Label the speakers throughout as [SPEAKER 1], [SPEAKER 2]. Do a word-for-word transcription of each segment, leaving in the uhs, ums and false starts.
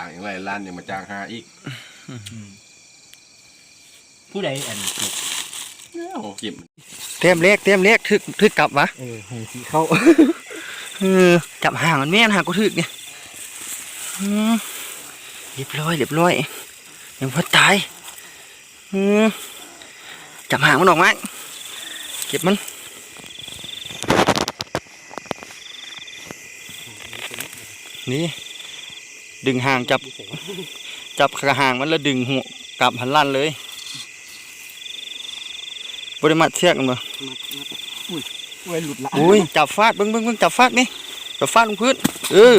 [SPEAKER 1] างอย่างไรล้านยังมาจ้างหาอีก
[SPEAKER 2] ผู้ใดอันเก็บ
[SPEAKER 1] โอ้เก็บ
[SPEAKER 3] เต็มเล็กเต็มเล็กทึกทึกกลับวะ
[SPEAKER 2] เออหงสีเข้า
[SPEAKER 3] เออจับห่างมันแม่นห่างก็ทึกเนี่ยอืมเรียบร้อยเรียบร้อยยังพอตายอืมจับห่างมันออกมาเก็บมันนี่ดึงห่างจับจับขาห่างมันแล้วดึงหัวกลับหันลั่นเลยบริมาเชือกกันบ่
[SPEAKER 2] อุ้ยเว้ยหลุดละ
[SPEAKER 3] อุ้ยจับฟาดเบิ้งเบิ้งเบิ้งจับฟาดนี่จับฟาดลงพื้นเออ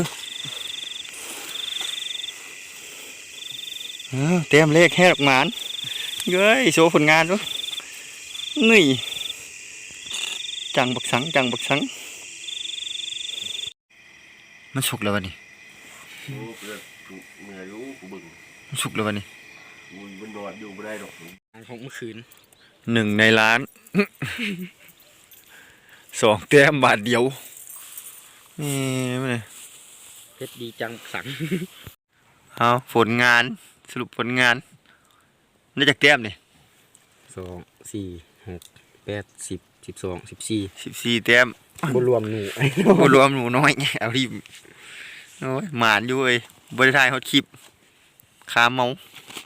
[SPEAKER 3] เออเตรียมเลขแค่ดอกหมานเย้ยโชว์ผลงานด้วยนี่จังบักสังจังบักสังมันสุกแล้ววะนี่
[SPEAKER 1] โอ้เพื่อนเมื่อยรู้กูบึ้ง
[SPEAKER 3] มันสุกแล้ววะนี่
[SPEAKER 1] มันมันนอนอยู่ไม่ได้หรอก
[SPEAKER 2] ของเมื่อคืน
[SPEAKER 3] หนึ่งในล้าน สองแต้มบาทเดียวนี่ไม่เลย
[SPEAKER 2] เพชรดีจังสัง
[SPEAKER 3] เอาผลงานสรุปผลงานได้จากแต้มนี่
[SPEAKER 2] สองสี่หกแปดสิบสิบสองสิบสี่
[SPEAKER 3] สิบสี่แต้ม
[SPEAKER 2] บรวมหนู
[SPEAKER 3] บ่รวมหนูน้อยไงเอาที่โอ้ยหมานอยู่เอ้ยบริทายเขาคลิปคาเมา